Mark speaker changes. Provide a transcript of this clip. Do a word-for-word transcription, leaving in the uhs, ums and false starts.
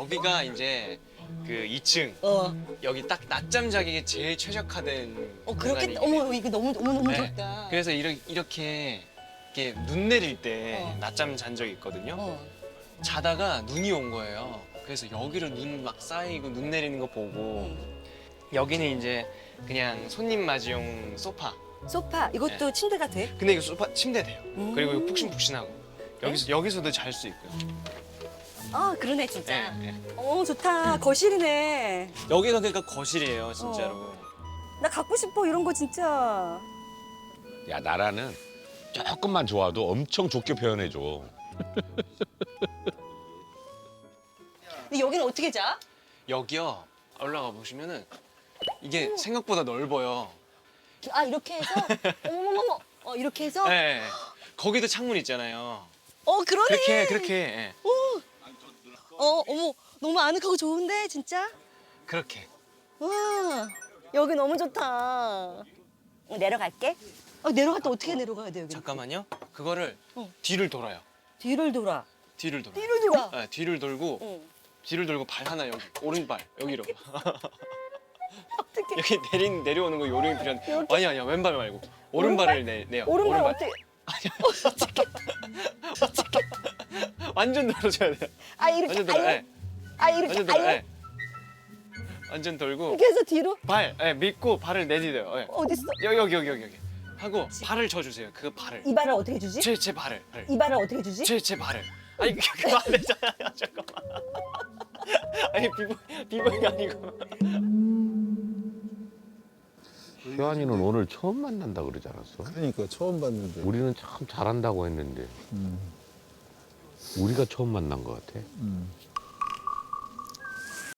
Speaker 1: 여기가 이제 그 이 층
Speaker 2: 어.
Speaker 1: 여기 딱 낮잠 자기에 제일 최적화된
Speaker 2: 어 그렇게
Speaker 1: 공간이
Speaker 2: 어머 이거 너무 너무 너무
Speaker 1: 네.
Speaker 2: 좋다.
Speaker 1: 그래서 이렇게 이렇게 이렇게 눈 내릴 때
Speaker 2: 어.
Speaker 1: 낮잠 잔 적이 있거든요.
Speaker 2: 어.
Speaker 1: 자다가 눈이 온 거예요. 그래서 여기로 눈 막 쌓이고 눈 내리는 거 보고
Speaker 2: 음.
Speaker 1: 여기는 이제 그냥 손님 맞이용 소파.
Speaker 2: 소파 이것도 침대가 돼?
Speaker 1: 근데 이거 소파 침대 돼요.
Speaker 2: 음.
Speaker 1: 그리고 이거 푹신푹신하고 여기서 여기서도 잘 수 있고요.
Speaker 2: 아 그러네 진짜.
Speaker 1: 네, 네.
Speaker 2: 어 좋다. 거실이네.
Speaker 1: 여기가 그러니까 거실이에요, 진짜로.
Speaker 2: 나 갖고 싶어 이런 거 진짜.
Speaker 3: 야 나라는 조금만 좋아도 엄청 좋게 표현해줘.
Speaker 2: 근데 여기는 어떻게 자?
Speaker 1: 여기요. 올라가 보시면은 이게 생각보다 넓어요.
Speaker 2: 아 이렇게 해서 어머머머 어 이렇게 해서
Speaker 1: 네. 거기도 창문 있잖아요.
Speaker 2: 어 그러네.
Speaker 1: 그렇게 그렇게 예.
Speaker 2: 어 어머 너무 아늑하고 좋은데 진짜.
Speaker 1: 그렇게.
Speaker 2: 와 여기 너무 좋다. 어, 내려갈게. 어, 내려갈 때 어떻게 내려가야 돼 여기?
Speaker 1: 잠깐만요. 그거를
Speaker 2: 어.
Speaker 1: 뒤를 돌아요.
Speaker 2: 뒤를 돌아.
Speaker 1: 뒤를 돌아.
Speaker 2: 뒤를 돌아.
Speaker 1: 네, 뒤를 돌고
Speaker 2: 응.
Speaker 1: 뒤를 돌고 발 하나 여기 오른발 여기로.
Speaker 2: 어떻게?
Speaker 1: 여기 내린 내려오는 거 요령이 필요한. 아니 아니야 왼발 말고 오른발을 내 내요.
Speaker 2: 오른발 어떻게?
Speaker 1: 완전 돌아줘야 돼요.
Speaker 2: 아 이렇게.
Speaker 1: 완전 돌아. 예.
Speaker 2: 아 이렇게.
Speaker 1: 완전 돌아.
Speaker 2: 아유,
Speaker 1: 예. 완전 돌고
Speaker 2: 이렇게 해서 뒤로
Speaker 1: 발 예, 믿고 발을 내디뎌요. 예.
Speaker 2: 어디 있어?
Speaker 1: 여기 여기 여기 여기 여기 하고 발을 쳐주세요. 그 발을.
Speaker 2: 이 발을 어떻게 주지?
Speaker 1: 제 제 발을. 발을.
Speaker 2: 이 발을 어떻게 주지?
Speaker 1: 제 제 발을. 아니 그거 안 되잖아요. 잠깐만. 아니 비보 비보이 아니고.
Speaker 3: 효안이는 오늘 처음 만난다 그러지 않았어?
Speaker 4: 그러니까 처음 봤는데.
Speaker 3: 우리는 참 잘한다고 했는데
Speaker 4: 음,
Speaker 3: 우리가 처음 만난 것 같아.
Speaker 4: 음.